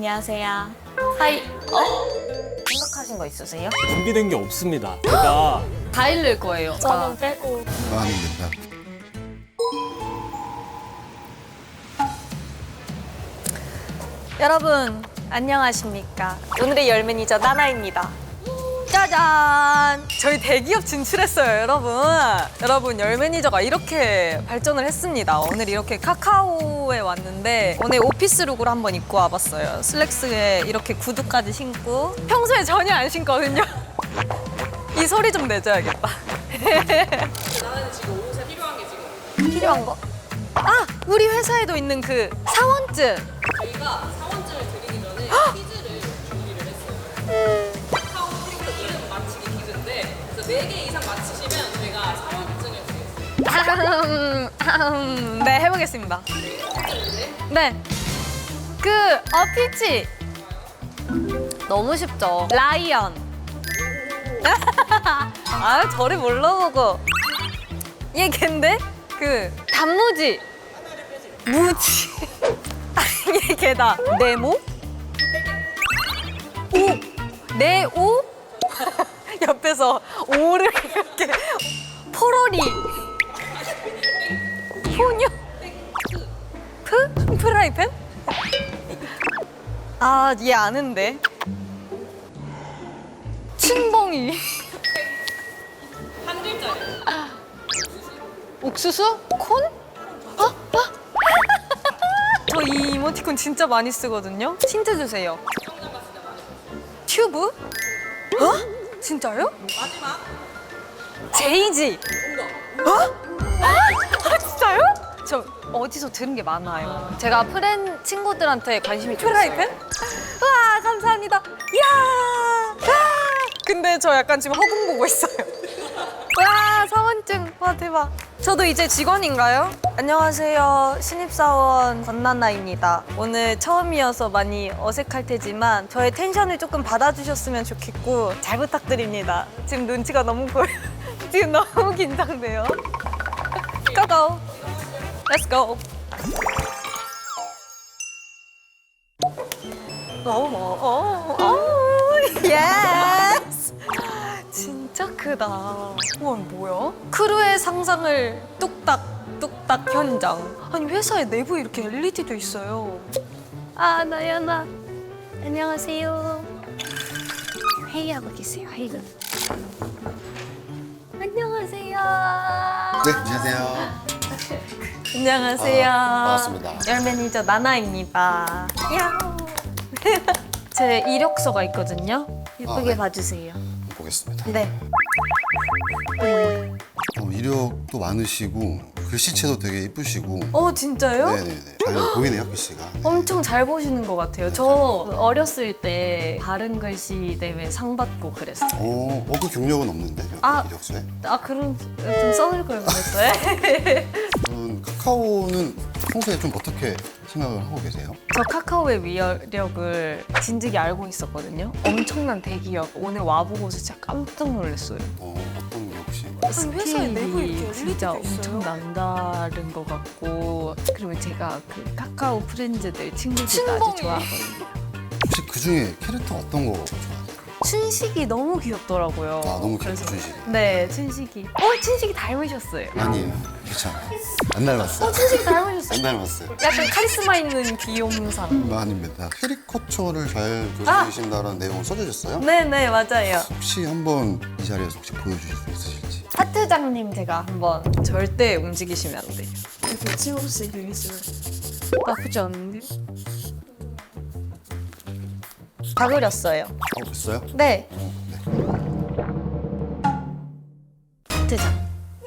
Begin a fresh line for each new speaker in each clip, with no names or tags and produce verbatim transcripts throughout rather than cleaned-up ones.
안녕하세요. 하이. 어? 생각하신 거 있으세요?
준비된 게 없습니다. 제가
다 잃을 거예요.
저는 빼고.
아닙니다.
여러분 안녕하십니까? 오늘의 열 매니저 나나입니다. 짜잔! 저희 대기업 진출했어요, 여러분. 여러분, 열 매니저가 이렇게 발전을 했습니다. 오늘 이렇게 카카오에 왔는데 오늘 오피스룩으로 한번 입고 와봤어요. 슬랙스에 이렇게 구두까지 신고 평소에 전혀 안 신거든요. 이 소리 좀 내줘야겠다.
나는 지금 옷에 필요한 게 지금
필요한 거? 아! 우리 회사에도 있는 그 사원증!
저희가 사원증을 드리기 전에 퀴즈를 준비를 했어요. 카카오 프리크 이름 맞히기 퀴즈인데 그래서 네 개 이상 맞히시면 저희가 사원증을 드리겠습니다.
아흠, 네, 해보겠습니다. 네. 그, 어, 피치. 너무 쉽죠? 라이언. 아, 저를 몰라보고. 얘 걘데? 그, 단무지. 무지. 얘 걔다. 네모? 오. 네오? 옆에서 오를 이렇게. 포로리. 포뇨? 프? 프라이팬? 아, 얘 아는데. 춘봉이.
한 글자예요.
옥수수? 콘? 어? 어? 저 이 이모티콘 진짜 많이 쓰거든요. 힌트 주세요. 튜브? 어? 진짜요?
마지막
제이지.
뭔가
어? 아, 진짜요? 저 어디서 들은 게 많아요. 제가 프렌 친구들한테 관심이 좀 있어요. 프라이팬? 와, 감사합니다. 이야! 와! 근데 저 약간 지금 허공 보고 있어요. 와, 사원증. 와, 대박. 저도 이제 직원인가요? 안녕하세요. 신입사원 권나나입니다. 오늘 처음이어서 많이 어색할 테지만 저의 텐션을 조금 받아주셨으면 좋겠고 잘 부탁드립니다. 지금 눈치가 너무 보여요. 지금 너무 긴장돼요. 고고! Let's go! 오, 오, 오, 예스! 진짜 크다. 우와, 뭐야? 크루의 상상을 뚝딱, 뚝딱 현장. 아니, 회사에 내부에 이렇게 엘이디도 있어요. 아, 나연아. 안녕하세요. 회의하고 계세요, 회의. 안녕하세요.
네, 안녕하세요.
안녕하세요.
아, 반갑습니다.
열 매니저 나나입니다. 야호. 제 이력서가 있거든요. 예쁘게
아, 네.
봐주세요.
보겠습니다.
네.
어, 이력도 많으시고 글씨체도 되게 이쁘시고.
어, 진짜요?
네네네. 잘 보이네요, 글씨가. 네.
엄청 잘 보시는 것 같아요. 저 어렸을 때 바른 글씨 대회 상 받고 그랬어요.
오, 어, 그 경력은 없는데
아.
이력서에.
아, 그럼 좀 써낼 걸 그랬어요.
음, 카카오는 평소에 좀 어떻게 생각을 하고 계세요?
저 카카오의 위력을 진즉에 알고 있었거든요. 엄청난 대기업. 오늘 와보고서 진짜 깜짝 놀랐어요.
어, 어떤 게 혹시?
회사에 내부 이렇게 진짜 엄청 남다른 것 같고, 그리고 제가 그 카카오 프렌즈들 친구들도 아주 좋아하거든요.
혹시 그 중에 캐릭터 어떤 거 좋아하세요?
춘식이 너무 귀엽더라고요.
아, 너무 귀엽죠,
그래서-
춘식이.
네, 춘식이. 어, 춘식이 닮으셨어요.
아니에요, 괜찮아요. 안 닮았어요.
어, 춘식이 닮으셨어요.
안 닮았어요.
약간 카리스마 있는 귀염상.
음, 아닙니다. 캐리커처를 잘 그려주신다는 내용을 써주셨어요?
네네, 맞아요.
혹시 한번 이 자리에서 혹시 보여주실 수 있으실지?
하트장님 제가 한번 절대 움직이시면 안 돼요.
이렇게 찍을 수 있어요.
나쁘지 않은데? 다 그렸어요.
어, 됐어요?
네.
어, 네.
하트장.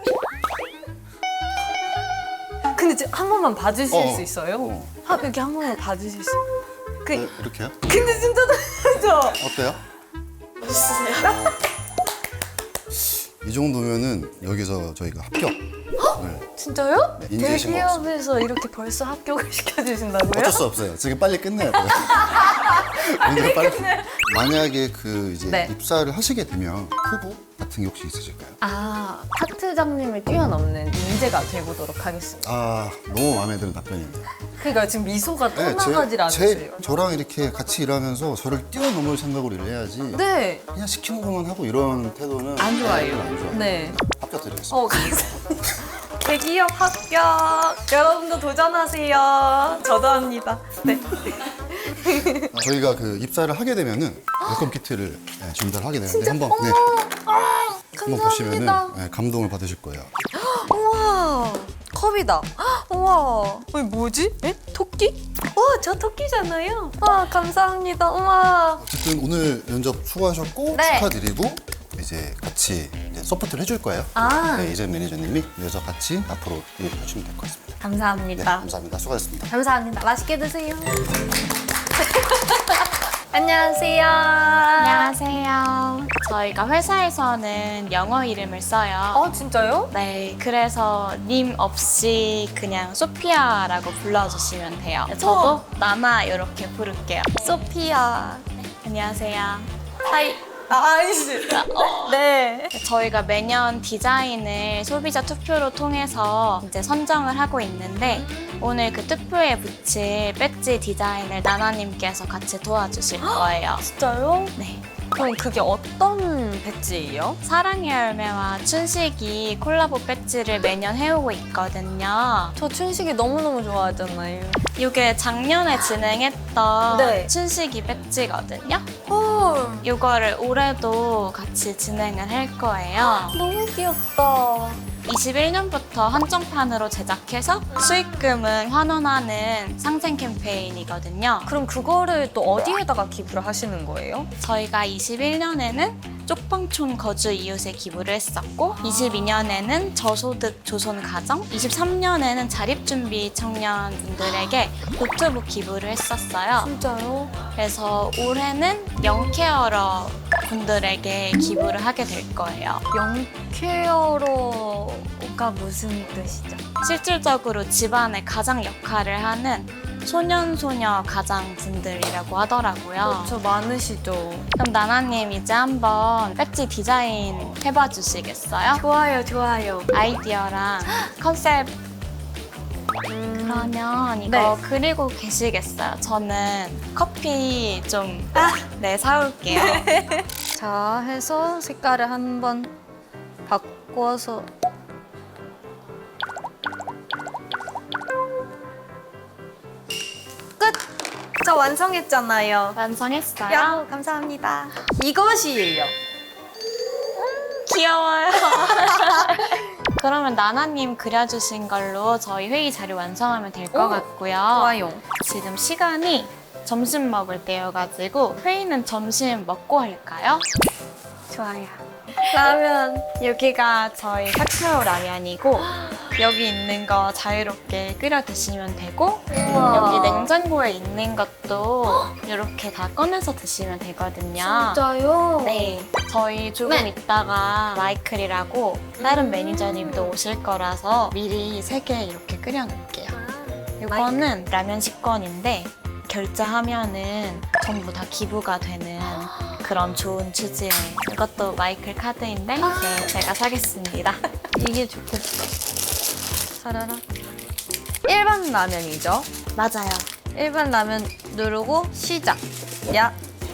근데 지금 한 번만 봐주실
어,
수 있어요?
어.
하, 여기 한 번만 봐주실 수 그,
네, 이렇게요?
근데 진짜 잘하죠?
어때요?
멋있으세요?
이 정도면은 여기서 저희가 합격을
진짜요?
네, 인증신
대기업에서 이렇게 벌써 합격을 시켜주신다고요?
어쩔 수 없어요. 지금 빨리 끝내야 돼요. 오늘 빨리. 만약에 그 이제
네.
입사를 하시게 되면 후보 같은 게 혹시 있으실까요?
아, 하트장님을 뛰어넘는 인재가 되보도록 하겠습니다.
아, 너무 마음에 드는 답변입니다.
그러니까 지금 미소가
네,
떠나가질 않으세요.
제, 저랑 이렇게 같이 일하면서 저를 뛰어넘을 생각으로 일해야지
네.
그냥 시키는 것만 하고 이런 태도는
안 좋아요.
안 좋아요.
네.
합격 드리겠습니다.
어, 감사합니다. 대기업 합격. 여러분도 도전하세요. 저도 합니다. 네.
저희가 그 입사를 하게 되면은 웰컴 키트를 네, 전달을 하게 되는데 한번 네, 한번 보시면은
감사합니다.
네, 감동을 받으실 거예요.
우와, 컵이다. 우와, 이게 뭐지? 에? 토끼? 와, 저 토끼잖아요. 와, 감사합니다. 우와.
어쨌든 오늘 면접 수고하셨고
네.
축하드리고 이제 같이 이제 서포트를 해줄 거예요.
아.
네, 이재 매니저님이 그래서 같이 앞으로 일을 해주시면 될 것 같습니다. 네,
감사합니다.
감사합니다. 수고하셨습니다.
감사합니다. 맛있게 드세요. 안녕하세요.
안녕하세요. 저희가 회사에서는 영어 이름을 써요.
어, 진짜요?
네, 그래서 님 없이 그냥 소피아라고 불러주시면 돼요. 저도 나나 이렇게 부를게요. 소피아. 안녕하세요.
하이. 아, 아니지. 네.
저희가 매년 디자인을 소비자 투표로 통해서 이제 선정을 하고 있는데 오늘 그 투표에 붙일 배지 디자인을 나나님께서 같이 도와주실 거예요.
진짜요?
네.
그럼 그게 어떤 배지예요?
사랑의 열매와 춘식이 콜라보 배지를 매년 해오고 있거든요.
저 춘식이 너무너무 좋아하잖아요.
이게 작년에 진행했던
네.
춘식이 배지거든요.
헐,
이거를 올해도 같이 진행을 할 거예요.
너무 귀엽다.
이십일 년부터 한정판으로 제작해서 수익금은 환원하는 상생 캠페인이거든요.
그럼 그거를 또 어디에다가 기부를 하시는 거예요?
저희가 이십일 년에는 쪽방촌 거주 이웃에 기부를 했었고 이십이 년에는 저소득 조손 가정, 이십삼 년에는 자립준비 청년분들에게 노트북 기부를 했었어요.
진짜요?
그래서 올해는 영케어러 분들에게 기부를 하게 될 거예요.
영케어러가 무슨 뜻이죠?
실질적으로 집안의 가장 역할을 하는 소년소녀 가장분들이라고 하더라고요.
저 많으시죠?
그럼 나나님 이제 한번 배지 디자인 해봐 주시겠어요?
좋아요, 좋아요.
아이디어랑 컨셉
음,
그러면 이거
네.
그리고 계시겠어요? 저는 커피 좀 네, 사올게요.
자, 해서 색깔을 한번 바꿔서 끝! 저 완성했잖아요.
완성했어요?
야호, 감사합니다. 이것이에요.
귀여워요. 그러면 나나님 그려주신 걸로 저희 회의 자료 완성하면 될 것
오,
같고요.
좋아요.
지금 시간이 점심 먹을 때여가지고 회의는 점심 먹고 할까요? 좋아요.
라면.
여기가 저희 카카오 라면이고 여기 있는 거 자유롭게 끓여 드시면 되고
우와.
여기 냉장고에 있는 것도 이렇게 다 꺼내서 드시면 되거든요.
진짜요?
네, 저희 조금
네.
있다가 마이클이라고 다른 매니저님도 오실 거라서 미리 세 개 이렇게 끓여 놓을게요. 이거는 라면 식권인데 결제하면은 전부 다 기부가 되는 그런 좋은 취지의 이것도 마이클 카드인데 네, 제가 사겠습니다.
이게 좋겠다. 사라라. 일반 라면이죠?
맞아요.
일반 라면 누르고 시작. 야.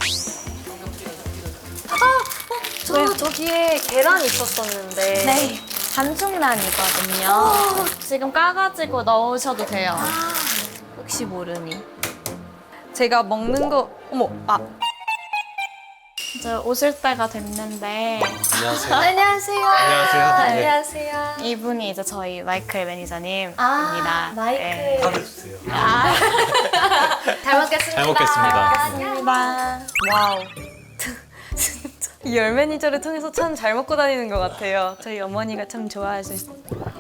아, 어, 저 저기에 계란 있었었는데.
네, 반죽란이거든요. 지금 까가지고 넣으셔도 돼요.
혹시 모르니. 제가 먹는 거 어머, 아.
이제 오실 때가 됐는데
안녕하세요.
안녕하세요.
안녕하세요.
안녕하세요.
이분이 이제 저희 마이클 매니저님입니다.
아, 마이클.
네.
카드 주세요.
아,
잘 먹겠습니다.
잘 먹겠습니다.
감사합니다.
와우. 진짜 이 열 매니저를 통해서 참 잘 먹고 다니는 것 같아요. 저희 어머니가 참 좋아하실 수.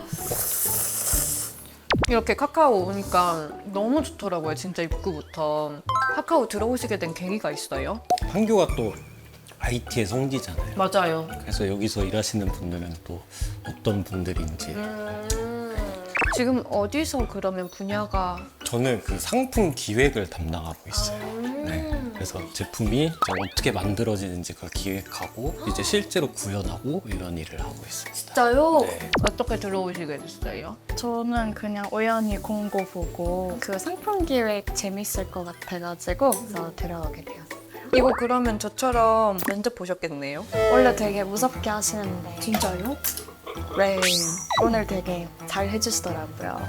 이렇게 카카오 오니까 너무 좋더라고요. 진짜 입구부터. 카카오 들어오시게 된 계기가 있어요?
한교가 또 아이티의 성지잖아요.
맞아요.
그래서 여기서 일하시는 분들은 또 어떤 분들인지.
지금 어디서 그러면 분야가
저는 그 상품 기획을 담당하고 있어요. 네. 그래서 제품이 이제 어떻게 만들어지는지 그걸 기획하고 이제 실제로 구현하고 이런 일을 하고 있습니다.
진짜요?
네.
어떻게 들어오시게 됐어요?
저는 그냥 우연히 공고 보고 그 상품 기획 재밌을 것 같아가지고 그래서 들어오게 되었어요.
이거 그러면 저처럼 면접 보셨겠네요?
원래 되게 무섭게 하시는데
진짜요?
네, 오늘 되게 잘 해주시더라고요.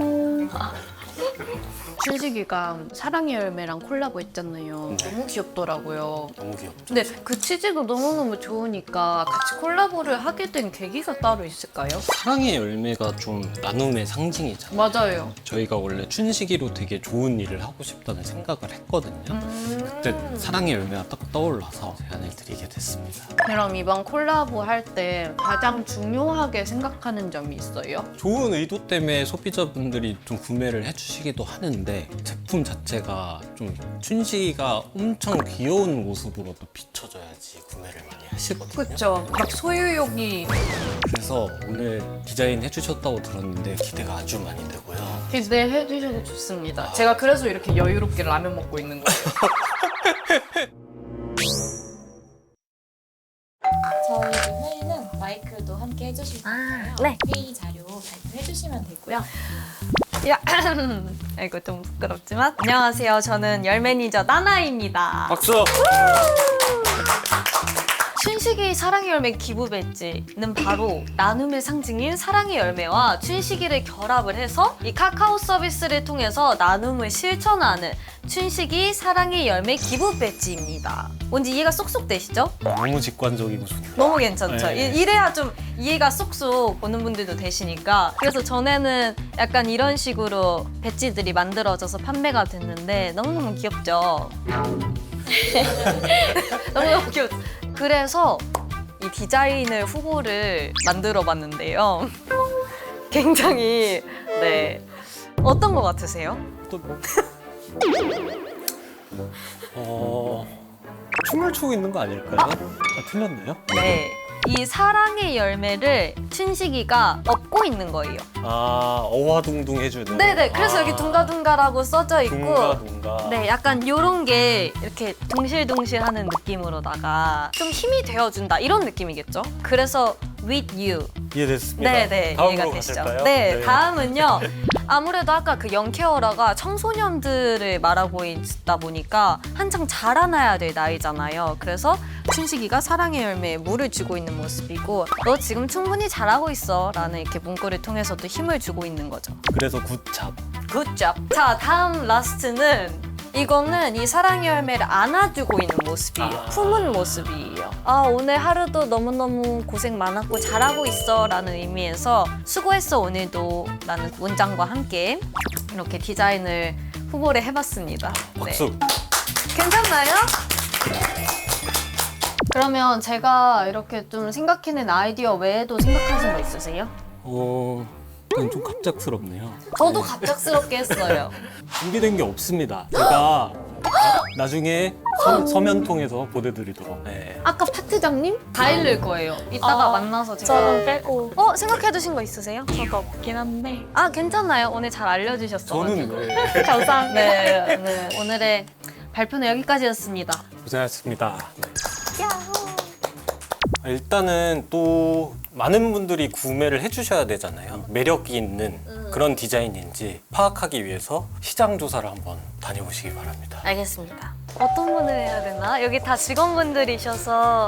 춘식이가 사랑의 열매랑 콜라보 했잖아요.
네.
너무 귀엽더라고요.
너무 귀엽죠?
근데 그 치즈도 너무너무 좋으니까 같이 콜라보를 하게 된 계기가 따로 있을까요?
사랑의 열매가 좀 나눔의 상징이잖아요.
맞아요.
저희가 원래 춘식이로 되게 좋은 일을 하고 싶다는 생각을 했거든요. 그때 사랑의 열매가 딱 떠올라서 제안을 드리게 됐습니다.
그럼 이번 콜라보 할 때 가장 중요하게 생각하는 점이 있어요?
좋은 의도 때문에 소비자분들이 좀 구매를 해주시기도 하는데 제품 자체가 좀 춘식이가 엄청 귀여운 모습으로 또 비춰져야지 구매를 많이 하시거든요.
그쵸. 막 소유욕이
그래서 오늘 디자인 해주셨다고 들었는데 기대가 아주 많이 되고요.
기대해 주셔도 좋습니다. 제가 그래서 이렇게 여유롭게 라면 먹고 있는 거예요.
저희 회의는 마이크도 함께 해주실 거예요.
네.
회의 자료 발표해주시면 되고요.
야, 이거 좀 부끄럽지만 안녕하세요. 저는 열 매니저 나나입니다.
박수!
춘식이 사랑의 열매 기부 배지는 바로 나눔의 상징인 사랑의 열매와 춘식이를 결합을 해서 이 카카오 서비스를 통해서 나눔을 실천하는 춘식이 사랑의 열매 기부 배지입니다. 뭔지 이해가 쏙쏙 되시죠?
너무 직관적이고 좋네요.
너무 괜찮죠?
네.
이- 이래야 좀 이해가 쏙쏙 보는 분들도 되시니까. 그래서 전에는 약간 이런 식으로 배지들이 만들어져서 판매가 됐는데 너무너무 귀엽죠? 너무너무 귀엽. 그래서 이 디자인을 후보를 만들어 봤는데요. 굉장히 네 어떤 거 같으세요?
또 어... 춤을 추고 있는 거 아닐까요? 아, 틀렸나요?
네. 이 사랑의 열매를 춘식이가 업고 있는 거예요.
아, 어화둥둥 해주는.
네네. 그래서
아,
여기 둥가둥가라고 써져 있고,
둥가둥가.
네, 약간 요런 게 이렇게 동실동실하는 느낌으로다가 좀 힘이 되어준다 이런 느낌이겠죠? 그래서 with you.
이해됐습니다.
네네.
다음으로
이해가 되시죠?
가실까요?
네, 다음은요. 아무래도 아까 그 영케어라가 청소년들을 말하고 있다 보니까 한창 자라나야 될 나이잖아요. 그래서 춘식이가 사랑의 열매에 물을 주고 있는 모습이고 너 지금 충분히 잘하고 있어 라는 이렇게 문구를 통해서도 힘을 주고 있는 거죠.
그래서 굿잡.
굿잡. 자, 다음 라스트는 이거는 이 사랑의 열매를 안아주고 있는 모습이에요. 품은 모습이에요. 아, 오늘 하루도 너무너무 고생 많았고 잘하고 있어 라는 의미에서 수고했어 오늘도 라는 문장과 함께 이렇게 디자인을 후보를 해봤습니다.
박수.
네. 괜찮나요? 그러면 제가 이렇게 좀 생각해낸 아이디어 외에도 생각하신 거 있으세요?
어, 이건 좀 갑작스럽네요.
저도 갑작스럽게 했어요.
준비된 게 없습니다. 제가 나중에 서, 서면 통해서 보내드리도록. 네.
아까 파트장님 다 읽을 거예요. 이따가
아,
만나서 제가.
저는 빼고
어 생각해두신 거 있으세요?
저도 없긴 한데
아 괜찮아요. 오늘 잘 알려주셨어.
저는 네.
감사합니다.
네, 네. 오늘의 발표는 여기까지였습니다.
고생하셨습니다. 네. 아, 일단은 또 많은 분들이 구매를 해주셔야 되잖아요. 매력이 있는 그런 디자인인지 파악하기 위해서 시장 조사를 한번 다녀보시기 바랍니다.
알겠습니다. 어떤 분을 해야 되나? 여기 다 직원분들이셔서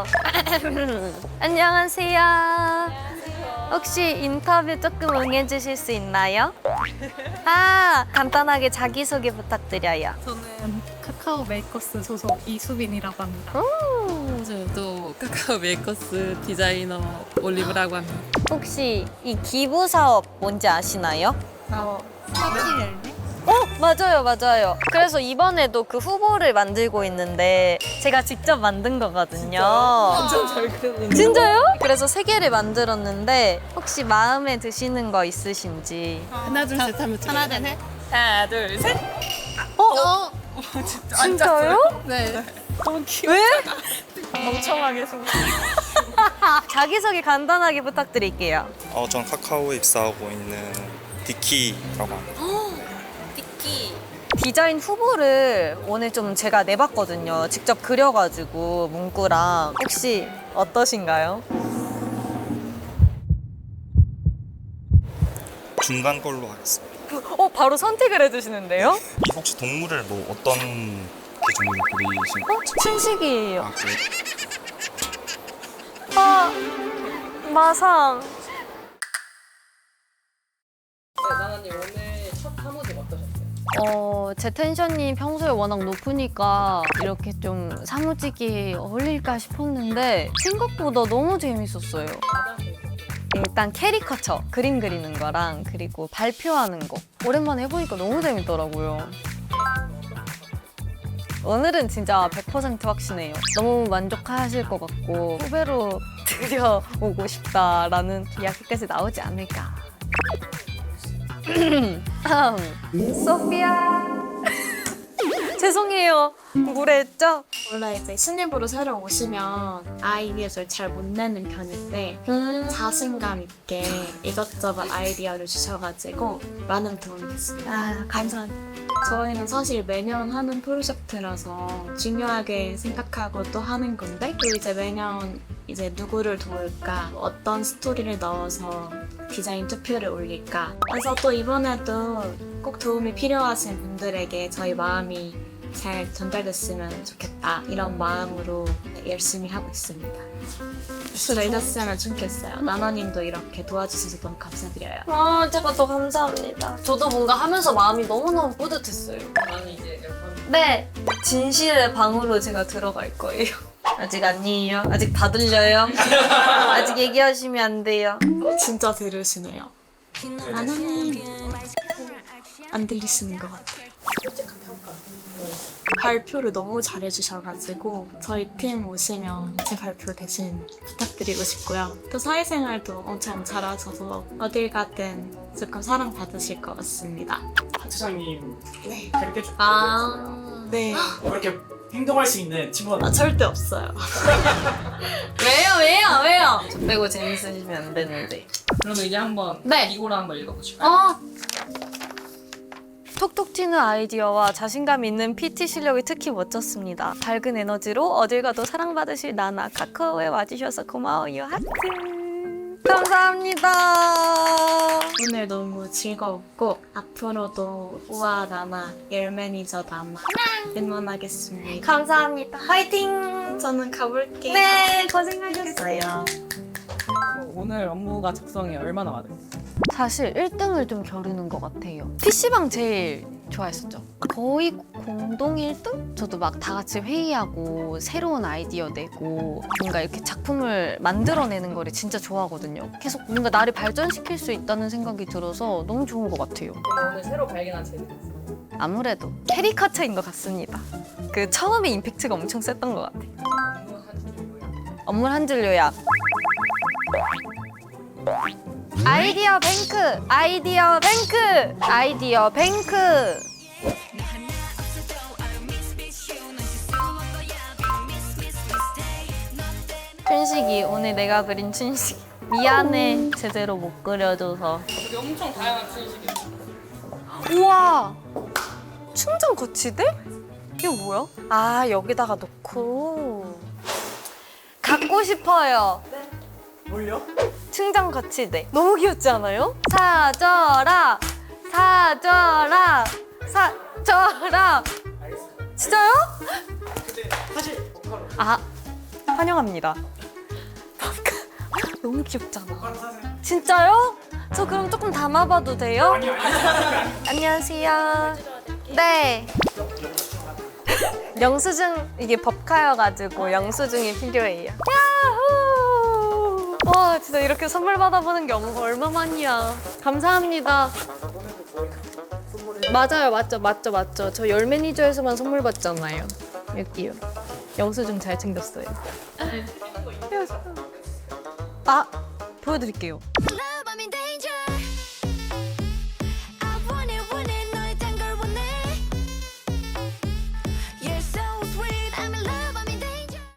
안녕하세요. 혹시 인터뷰 조금 응해주실 수 있나요? 아 간단하게 자기소개 부탁드려요.
저는 카카오 메이커스 소속 이수빈이라고 합니다. 저도 카카오 메이커스 디자이너 올리브라고 합니다.
혹시 이 기부 사업 뭔지 아시나요?
어, 사랑의 열매?
어 맞아요 맞아요. 그래서 이번에도 그 후보를 만들고 있는데 제가 직접 만든 거거든요.
완전 잘 그렸는데.
진짜요? 그래서 세 개를 만들었는데 혹시 마음에 드시는 거 있으신지.
하나 둘 셋 하면 하나 둘 셋.
하나, 둘, 셋.
어? 진짜요?
네.
왜?
멍청하게 생각.
자기소개 간단하게 부탁드릴게요.
어, 전 카카오에 입사하고 있는 디키라고 합니다.
디키. 디자인 후보를 오늘 좀 제가 내봤거든요. 직접 그려가지고 문구랑. 혹시 어떠신가요?
중간 걸로 하겠습니다.
어, 바로 선택을 해주시는데요?
이 혹시 동물을 뭐 어떤 기준으로 그리신
어? 춘식이에요.
아, 그래요?
아, 마상.
네, 나나님 오늘 첫 사무직 어떠셨어요?
어, 제 텐션이 평소에 워낙 높으니까 이렇게 좀 사무직이 어울릴까 싶었는데 생각보다 너무 재밌었어요.
일단 캐리커처, 그림 그리는 거랑 그리고 발표하는 거 오랜만에 해보니까 너무 재밌더라고요. 오늘은 진짜 백 퍼센트 확신해요. 너무 만족하실 것 같고 후배로 들여오고 싶다라는 이야기까지 나오지 않을까. 소피아 죄송해요. 무례했죠?
원래 이제 신입으로 새로 오시면 아이디어를 잘 못 내는 편인데 자신감 있게 이것저것 아이디어를 주셔가지고 많은 도움이 됐습니다. 아, 감사합니다. 저희는 사실 매년 하는 프로젝트라서 중요하게 생각하고 또 하는 건데 또 이제 매년 이제 누구를 도울까, 어떤 스토리를 넣어서 디자인 투표를 올릴까. 그래서 또 이번에도 꼭 도움이 필요하신 분들에게 저희 마음이 잘 전달됐으면 좋겠다 이런 마음으로 열심히 하고 있습니다. 수고하셨으면 좋겠어요. 나나님도 이렇게 도와주셔서 너무 감사드려요.
아, 제가 더 감사합니다. 저도 뭔가 하면서 마음이 너무너무 뿌듯했어요.
나는 이제 약간
네, 진실의 방으로 제가 들어갈 거예요. 아직 아니에요. 아직 다 들려요. 아직 얘기하시면 안 돼요.
진짜 들으시네요. 나나님 안 들리시는 것 같아요. 발표를 너무 잘해주셔가지고 저희 팀 오시면 제 발표 대신 부탁드리고 싶고요. 또 사회생활도 엄청 잘하셔서 어딜 가든 조금 사랑받으실 것 같습니다.
부장님
네.
그렇게 좀
아, 네.
그렇게 행동할 수 있는 친구가
아, 절대 없어요.
왜요, 왜요, 왜요? 저 빼고 재밌으시면 안 되는데.
그러면 이제 한번
네.
이거를 한번 읽어보실까요?
어,
톡톡 튀는 아이디어와 자신감 있는 피티 실력이 특히 멋졌습니다. 밝은 에너지로 어딜 가도 사랑받으실 나나. 카카오에 와주셔서 고마워요. 하트. 감사합니다.
오늘 너무 즐거웠고 앞으로도 우아 나나, 열 매니저 나나 응원하겠습니다.
감사합니다. 화이팅!
저는 가볼게요.
네, 고생하셨어요.
오늘 업무가 작성이 얼마나 많아요?
사실 일 등을 좀 겨루는 것 같아요. 피시방 제일 좋아했었죠. 거의 공동 일 등? 저도 막 다 같이 회의하고 새로운 아이디어 내고 뭔가 이렇게 작품을 만들어내는 거를 진짜 좋아하거든요. 계속 뭔가 나를 발전시킬 수 있다는 생각이 들어서 너무 좋은 것 같아요.
그럼 오늘 새로 발견한 재능이 있어요?
아무래도 캐리커처인 것 같습니다. 그 처음에 임팩트가 엄청 셌던 것 같아요. 업무 한 줄 요약. 아이디어 뱅크! 아이디어 뱅크! 아이디어 뱅크! 춘식이, 오늘 내가 그린 춘식. 미안해, 제대로 못 그려줘서.
여기 엄청 다양한 춘식이
우와! 충전 거치대? 이거 뭐야? 아, 여기다가 놓고. 갖고 싶어요.
뭘요?
충전 거치대. 너무 귀엽지 않아요? 사줘라! 사줘라! 사줘라! 진짜요?
사실 버카로
아, 환영합니다. 너무 귀엽잖아.
버카로 사세요.
진짜요? 저 그럼 조금 담아봐도 돼요?
아니요 아니요.
안녕하세요. 네. 영수증, 이게 법카여가지고 영수증이 필요해요. 야호! 와, 진짜 이렇게 선물 받아보는 게 얼마만이야. 감사합니다. 맞아요, 맞죠, 맞죠, 맞죠. 저 열 매니저에서만 선물 받잖아요. 여기요. 영수증 잘 챙겼어요. 아, 보여드릴게요.